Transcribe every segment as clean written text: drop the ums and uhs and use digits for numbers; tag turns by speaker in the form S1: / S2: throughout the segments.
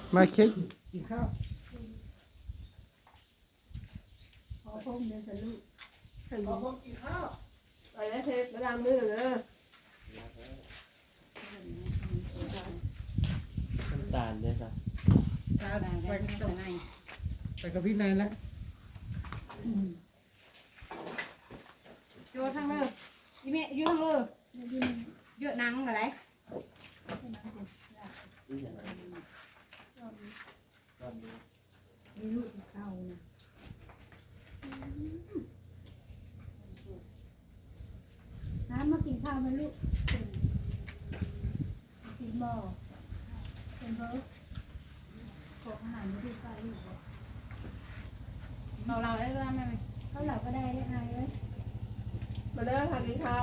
S1: มาเค้กกินข้าว
S2: ขอพงเดี๋ยวจะลูก
S1: ขอพบกินข้าว
S3: ไปแล้วเทปมาดามมือเลย
S4: น้ำตาลด้วยจ้ะ
S1: ไปกับพี่นายแล้ว
S5: โยทางเลยอีเมย์อยู่ทางเลยเยอะนังอะไร
S2: มีลูกเข้านะน้ำมากินข้าวไหมลูกกินบ่เป็นเบิร์ดขออาหารมาดูไปลูก
S5: เราได้ด้วยไหม
S2: เขาเหล่าก็ได้ได้ไงเว้ย
S3: มาเด้อทานกินข้าว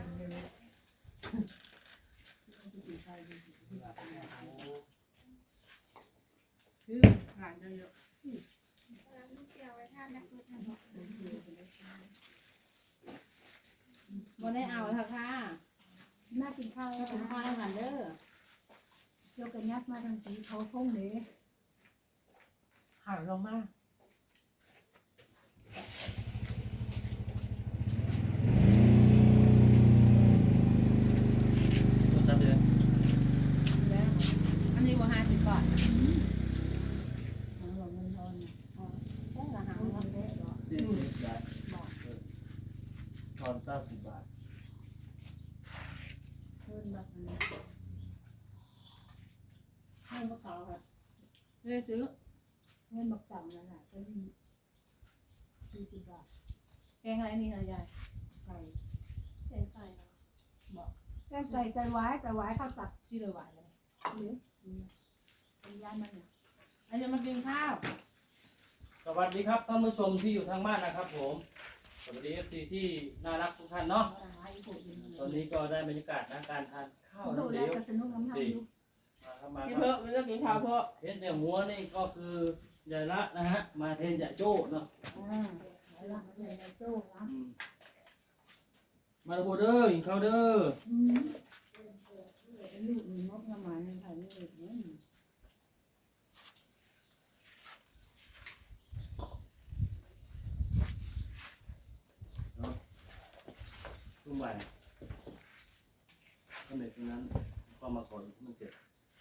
S5: คือหลานเยอะวันนี้เอาค่ะค่ะ
S2: น่ากินข้าวแล้ว
S5: คุณพ่อ
S2: นะ
S5: ทำงานเด้อ
S2: โยกกันยักมาทางสีเขาพงเลย
S1: หายลงมา
S4: ตัวซับเลย
S5: อันนี้ว่า50 บาท
S2: หาหลงเงินทอน
S5: แค่ละหา
S2: เอาเงินได้หรอ
S4: 40 บาทตอน90 บาท
S2: เพิ่นแบบนั้น
S5: ให้พวกเขาค่ะเลยซื้อ
S2: เงินบักต่ำนั่นแหละก็มี40 บาท
S5: แกงอะไรนี่นะยาย
S2: ไก่
S5: แกงไก่เนาะบอก
S2: แก้ไก่ไก่ไว้ข้าวตัด
S5: ที่เลยหวานเลย
S2: หรือเป็นย่านมันเนี่ย
S5: อันนี้มากินข้าว
S4: สวัสดีครับท่านผู้ชมที่อยู่ทางบ้านนะครับผมสวัสดี FC ที่น่ารักทุกท่านเนาะ
S5: เอาหาอีกคนหนึ่ง
S4: ตอนนี้ก็ได้บรรยากาศนะการทานข้าว
S2: ดู
S4: น้ำ
S2: แล
S4: เลี้ยว
S2: ก็สนุกน้ำทางอยู่
S4: มาครับมา
S3: กิน
S4: ค
S3: เพิ่
S4: รับ
S3: มมาเด้อกินข้าวเพิ่ม
S4: เห็นแต่หัวนี่ก็คือยายละนะฮะมาเทนจะโจ้เนาะ
S2: แล้วเราเลยในตู้นะ
S4: อืมมาโบเด้อกินข้าวเด้อ
S2: ลูกมีงบประมาณในไทยนี่เอง
S4: รุ่มบ่ายก็เด็กตรงนั้นก็มาก่อนมันเจ็บ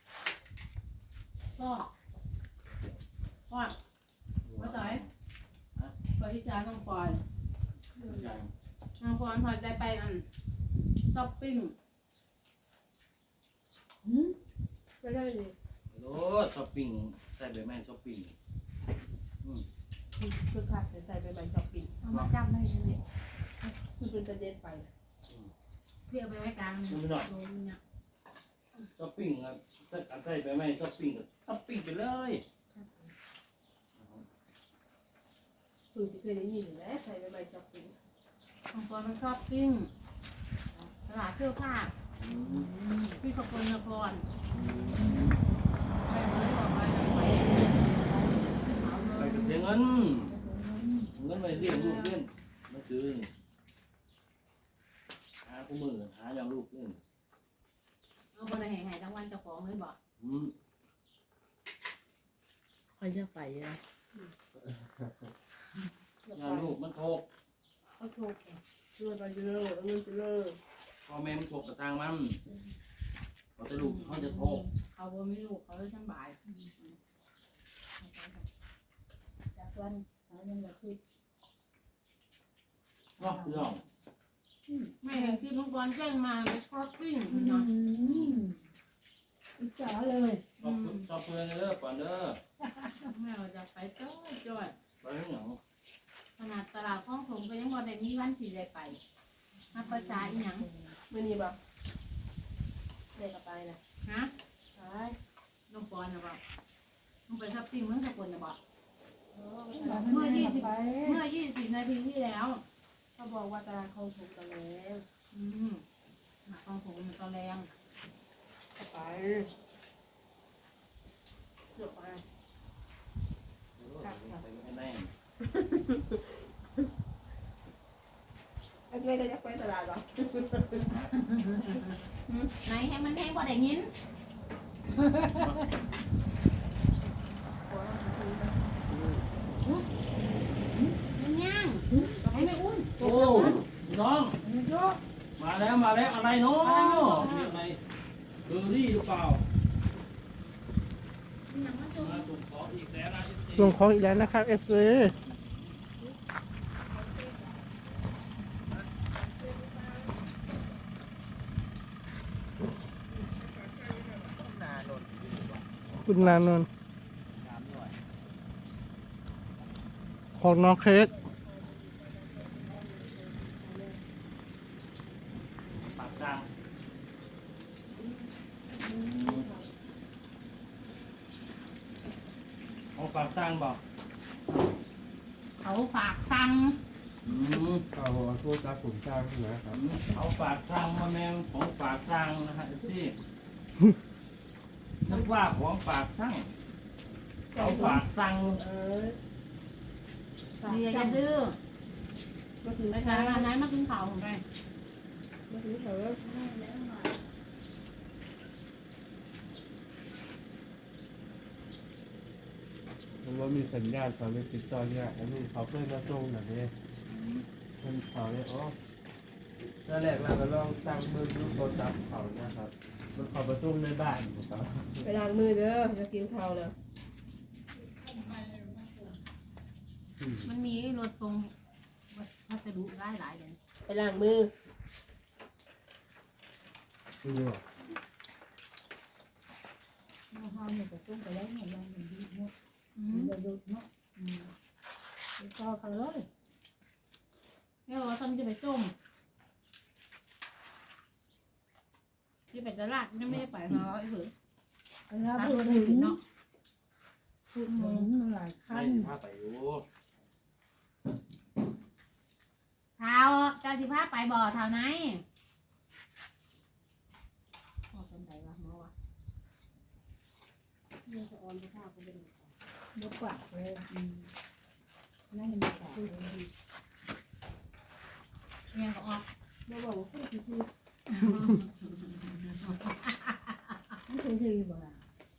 S5: ก็ว่ามาต่อยไปที่ร้านน้องปอย
S4: ใหญ่
S5: น้องปอยพอได้ไปอันช้อปปิ้ง
S3: ไม่ได้ดิ
S4: โอ้ช้อปปิ้งใส่ใบไม้ช้อปปิ้ง
S3: คือขาดใส่ใบใบช้อปปิ้ง
S2: เอามาจำให้เลย
S3: คือเป็นจะเด็ดไป
S5: เที่ยวไปไว้กลาง
S4: คุณพี่หน่อย
S5: โดนเนี่ย
S4: ช้อปปิ้งครับใส่ใบไม้ช้อปปิ้งช้อปปิ้งไปเลย
S3: คือเคยได้ยินอยู่แล้วใส่ใบใบช้อปปิ้ง
S5: น้องปอยมันช้อปปิ้งตลาดเสื้อผ้าพี่สกลนครไปเลยบอกไปแล้วไปเอา
S4: ไป
S5: เลย
S4: กับเสียเงินเงินไปเรียนลูกเล่นมาซื้อนี่หาคู่มือหาอย่างลูกเล่น
S5: เอาคนไหนหายทั้งวันเจ้าของเลยบอก
S3: คอยจะไปนะ
S4: งานลูกมันโทก
S3: เขาโทรเงินไปเลิกเงินไปเลิก
S4: พ่อแม่มันโทกกระซังมันพอจะลูกเขาจะโทก
S5: เขาบ่มีลูกเขาเลยช่างบ่าย
S2: จากวันเอาเงินมาคิด
S4: เนาะพี่น้อง
S5: ไม่เห็นคือน้องบอลแจ้งมาไปช้อปปิ้งเนาะ
S2: จ๋าเลย
S4: ชอบเพื่อนกันเด้อก่อนเด้อ
S5: แม่เราจะไปจ้อย
S4: ไปที่ไหน
S5: ขนาดตลาดข้องผมก็ยังบ่ได้มีวันที่ได้ไปมาภาษาอีหยัง
S3: ไม่นี่บ่เด็กกับไปนะ
S5: ฮะ
S3: ใช่
S5: น้องบอลนะบอกน้องไปช้อปปิ้งเมืองสกลนะบอก
S2: เมื่อ20
S5: เมื่อ20 นาทีที่แล้ว
S3: เขาบอกว่าตลาดเขาถูกกันแล้ว
S5: ข้องผมมันตอนแรง
S3: ไปเกือบไป
S4: ไม่แน่
S3: ไอ้แม่ก็จะไปตลาดหรอ
S5: ไหนให้มันให้บ่ได้ยิน
S4: แล้วอะไรเนาะมีอะไรเบอร์รี่หรือเปล่ามาส่งของอีกแล้วนะ FC
S6: ลงของอีกแล้วนะครับเอฟซีคุณนานนท์ของน้องเค้ก
S4: ปากจางเอาปากจางบอก
S5: เขาฝากสั่ง
S6: เอาโทษครับผมจ้างนะครับ
S4: เอาปากจางมาแมงของปากจางนะฮะที่นึกว่าของปากสั่งเอาปากสั่ง
S5: เมียจะดื้อ
S3: มาถึง
S5: ไป
S3: ไป
S5: ทา
S3: ทาง ง
S5: ร้านไหนมากินข้าวผมไป
S3: มาถึงเถอะ
S6: มันว่ามีสัญญาณเขาเลยติดต่อเนี่ยอันนี้เขาเพื่อนมาส่งหน่อยดิเพื่อนเขาเนี่ยอ๋อตอนแรกเราก็ลองตั้งมือดูโทรศัพท์เขานะครับมันเขาประตูในบ้านครับ
S3: ไปล้างมือเด้อจะกินข้าวแล้ว
S5: มันมีรถทรงพัสดุได้หลายเลย
S3: ไปล้างมือ
S6: นี่หรอ
S2: ข้าวเนี่ยจะต้มไปแล้วเนี่ยยังดีเนาะ
S5: อื
S2: มัน
S5: ม
S2: จะดุเนาะก็เขาเลย
S5: เนี่ยว่าทำจะไปต้มที่ไปตลาดยังไม่ได้ไปมาไอ้เผือ
S2: แล้ว
S5: ร้าน
S2: พูด
S5: อื่
S2: ถึ
S5: น
S2: ง
S5: เนาะ
S2: พูดถึงมันหลาย
S4: ให้
S2: ขั้น
S4: พาไปอยู่
S5: เท้าเจ้าสิพาไปบ่อเท้าไหนพ่อสนใจวะหมอวะ
S2: เรื่องจะออนไปข้าวก็เป็นบุกกว่าเลยนั่นมันสายดี
S5: เรียนก็ออก
S3: มาบอกว่าพูดที
S2: ไม่เคยดีบ่ล่ะ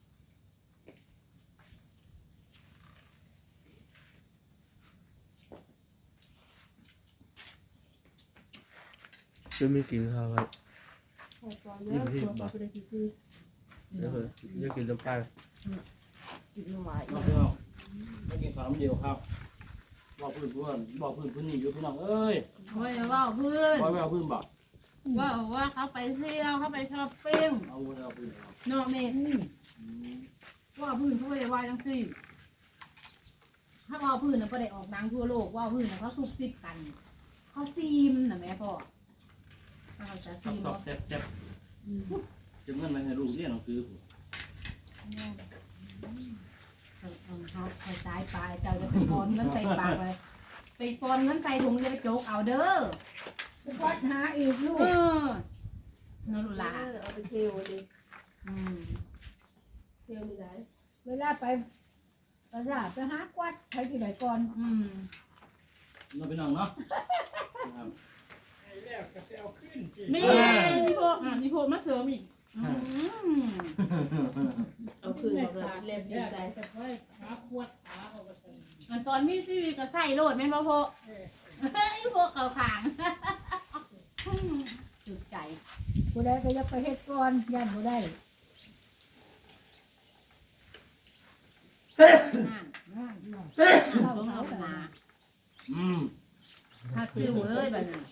S6: จะไม่กินข้าวครับ
S3: ๆพอตอนนี้ตัวเขาไปได้ที
S6: เดี๋ยวจะกินน้ำปลา
S3: กินหวาน
S4: น้องพี่น้องไม่กินข้าวน้ำเดียวครับบอกพื้นเพื่อนบอกพื้นพื้นนี่อยู่พี่น้องเอ้ย
S5: เฮ้ยว่าเพื่อน
S4: บอกไม่เอาพื้นบอก
S5: ว่าเขาไปเที่ยวเขาไปช้อปปิ้ง
S4: เอาไม่เอาพื้นเอา
S5: เนาะเมย์ว่าพื้นเขาไม่ได้ว่าจังสิถ้าว่าพื้นน่ะก็ได้ออกดังทั่วโลกว่าพื้นน่ะเขาซุบซิบกัน เขาซีมน่ะแม่พ่อถ้าเขาจะ
S4: สั
S5: ซี
S4: บ
S5: ม
S4: สับแซ่บแซ่บจะเงินไปให้ลูกเรียนหนังสือ
S5: เขาสายปลายเจ้าจะไปฟอนเงินใส่ปากเลยไปฟอนเงินใส่ถุงจะไปโจกเอาเด้อ
S2: ไปวัดหาอีกลูก
S5: นั่นลูกหลา
S3: เอาไปเที่ยวดิ
S5: อืม
S3: เที่ยวไม่ได้
S2: เวลาไปประสาทไปหากวัดใครที่ไหนก่อน
S5: อืม
S4: น้องพี่น้องเนาะครับ
S5: มีพี่โพมาเสริมอีก
S3: เอาคืนมาเลยเล็บดีใจ
S5: อันตอนมีชีวิตก็ใส่โลดแม่นบ่โพไอ้พวกเขาขางจุดใจ
S2: ผู้ใดก็อยากไปเฮ็ดก่อนย่านผู้ใด
S5: นั่น
S2: นั่นเนาะ
S5: ต้มเอาหนา
S4: อืม
S5: ถ้าคิวเลยแบบนี้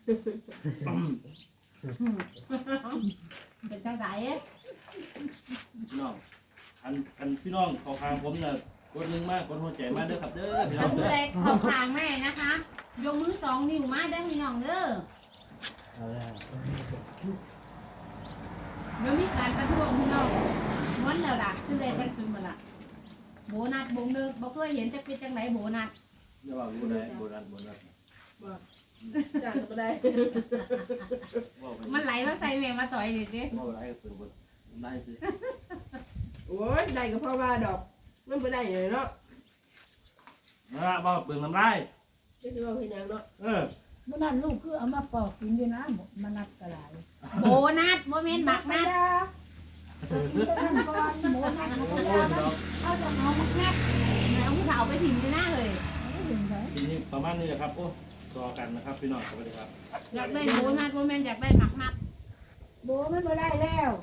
S5: เป็นจังไส
S4: พี่น้องอันพี่น้องขอทางผมเนี่ยกดหนึ่งมากกดหัวใจมากเด้อครับเด้อพี่น้
S5: ถ้า
S4: อง
S5: ผู้
S4: เด้อ
S5: ใดเขาขางแม่นะคะ ยกมือ2 นิ้วมาได้พี่น้องเด้อ
S6: เอาแล้ว
S5: เดี๋ยวมีการประท้วงพี่น้องม้วนแล้วล่ะคือได้กันคืนมาล่ะโบนัสบงนึกบ่เคยเห็นจะเป็นจังไหนโบนัส
S4: เดี๋ยวว่าโบราณโบราณโบราณ
S3: จ้างก็ได้
S4: ว่าไป
S5: มันไหลมาใส่แม่มาต่อยดิสิ
S4: ว่าอะไรก็เป็นบนได้สิ
S3: โอ้ยได้ก็เพราะว่าดอกมันไม่ได้เลยเนาะ
S4: นะว่าเปลืองน้ำลาย
S3: ไม่ใช่ว่าเพียงอย่างเนาะ
S2: เมื่อนั้นลูกคือเอามาปอกกินด้วยนะมานัดกระไร
S5: โบนัสบ่แม่นบักนัด
S2: กินแต่นั่นก่อนหมูนัดหมู
S4: โอ้
S2: ยาย
S4: พี่น้อง
S5: เอาจะเอาบักนัดแม่เอาผู้สาวไปถิ่มที่หน้าเลย
S2: ไม่ถึงไหน
S4: ทีนี้ประมาณนี้แหละครับโอ้รอกันนะครับพี่น้องสวัสดีครับ
S5: อยากได้โบนัสโบแมนอยากได้หมักนัด
S2: โบมันบ่ได้แล้ว